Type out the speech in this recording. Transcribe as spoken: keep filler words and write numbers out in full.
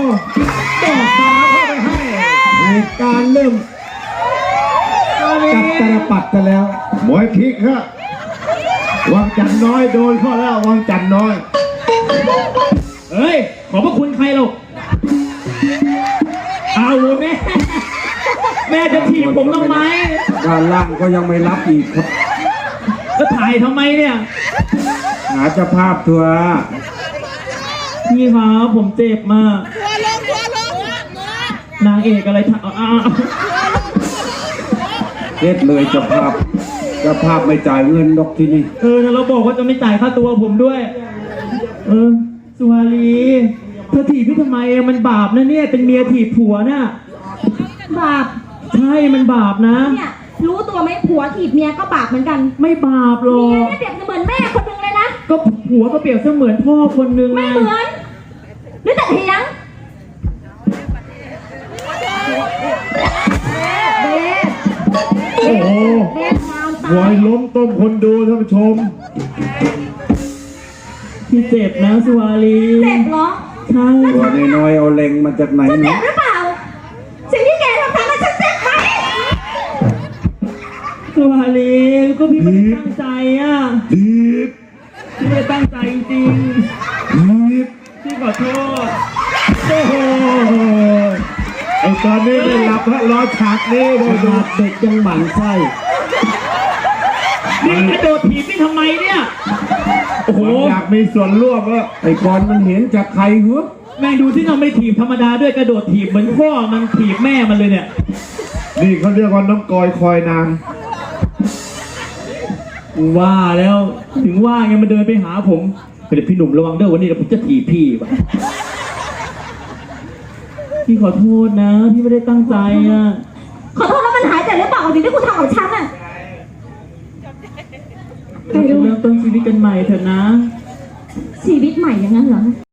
ดอกฟ้าเข้าไปให้เหตุการณ์เริ่มจับตาปัดกันแล้วหมวยพลิกฮะวังจันน้อยโดนเข้าแล้ววังจันน้อยเฮ้ยขอบพระคุณใครลูกเอาแม่แม่จะถีบผมทำไมด้านล่างก็ยังไม่รับอีกครับก็ถ่ายทำไมเนี่ยหาเจ้าภาพทัวร์พี่ครับผมเจ็บมากนางเอกอะไรถ่ายอ้าเฮ็ดเลยเจ้าภาพเจ้าภาพไม่จ่ายเงินดอกที่นี่เออเราบอกว่าจะไม่จ่ายค่าตัวผมด้วยเออสุวารีเธอถีบพี่ทำไมมันบาปนะเนี่ยเป็นเมียถีบผัวน่ะบาปใช่มันบาปนะเนี่ยรู้ตัวไหมผัวถีบเมียก็บาปเหมือนกันไม่บาปหรอกเมียเนี่ยเปรียบเสมือนแม่คนนึงเลยนะก็ผัวก็เปรียบเสมือนพ่อคนนึงไม่เหมือนหรือแต่เถียงเบสโอ้โหวอยล้มต้มคนดูท่านผู้ชมพี่เจ็บนะสุวารีเจ็บเหรอใช่ตัวน้อยเอาเล็งมาจากไหนเจ็บหรือเปล่าสิ่งที่แกทำทำให้ฉันเจ็บไหมสุวารีก็พี่ไม่ได้ตั้งใจอ่ะดีพี่ไม่ได้ตั้งใจจริงดีพี่ขอโทษโอ้โหไอ้ตอนนี้ได้หลับฮะรอฉากนี้เลยเด็กยังหมั่นไส้นี่กระโดดถีบพี่ทำไมเนี่ยโอ้โหอยากมีส่วนร่วมว่าไอ้กอนมันเห็นจากใครหัวแม่ดูที่เราไม่ถีบธรรมดาด้วยกระโดดถีบเหมือนพ่อมันถีบแม่มันเลยเนี่ยนี่เขาเรียกว่าน้องกอยคอยนางว่าแล้วถึงว่าไงมันเดินไปหาผมเดี๋ยวพี่หนุ่มระวังเด้อวันนี้เดี๋ยวผมจะถีบพี่ว่ะพี่ขอโทษนะพี่ไม่ได้ตั้งใจอ่ะขอโทษแล้วมันหายใจหรือเปล่าสิ่งที่คุณทำกับฉันอ่ะเราจะเริ่มต้นชีวิตกันใหม่เถอะนะชีวิตใหม่อย่างนั้นเหรอ